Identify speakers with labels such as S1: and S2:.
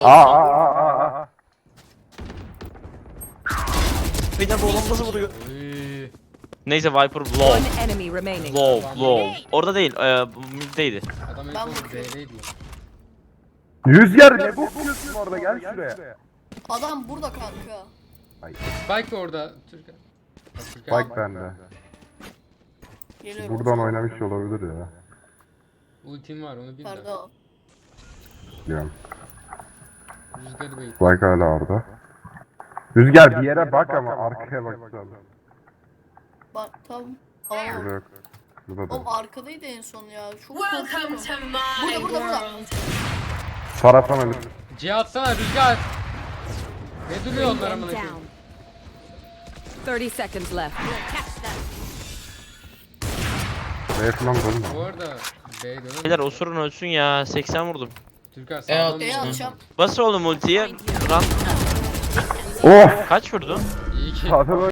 S1: Bir de bu nasıl vuruyor?
S2: Oy.
S1: Neyse Viper low.
S3: One enemy remaining.
S1: Low. Orada değil, middeydi.
S2: Adam en
S4: Ben
S2: son
S4: vurdum.
S2: B'deydi lan.
S5: Rüzgar ne bakıyorsun orada, gel şuraya.
S4: Adam burada kanka.
S2: Spike orada. Türkan. Bak, Türkan.
S5: Spike bende.
S4: Geliyorum.
S5: Buradan oynamış olabilir ya.
S2: Ultim var onu bil de.
S4: Pardon.
S5: Diyorum.
S2: Rüzgarı bait.
S5: Spike hala orada. Rüzgar bir yere bak ama arkaya baksana.
S4: Bak tam. Aa.
S5: Burada yok. Burada da
S4: Oğlum
S5: yok.
S4: arkadaydı en son ya. Çok
S6: Welcome
S4: korkuyorum.
S6: to my
S4: Burada.
S6: world.
S5: Taraftan ölür.
S2: C atsana Rüzgar. Ne duruyor onlar amına
S3: Down.
S2: koyayım?
S3: 30 seconds left.
S5: B'ye falan dolma.
S2: Bu arada B'ye
S1: Beyler
S2: dönemez.
S1: osurun ölsün ya, 80 vurdum.
S2: Türkan sağdan
S4: B'ye
S2: mı?
S4: atacağım.
S1: Bas oğlum ultiye. Run.
S5: Of!
S1: Kaç vurdun?
S2: İyi ki.
S5: Sağdan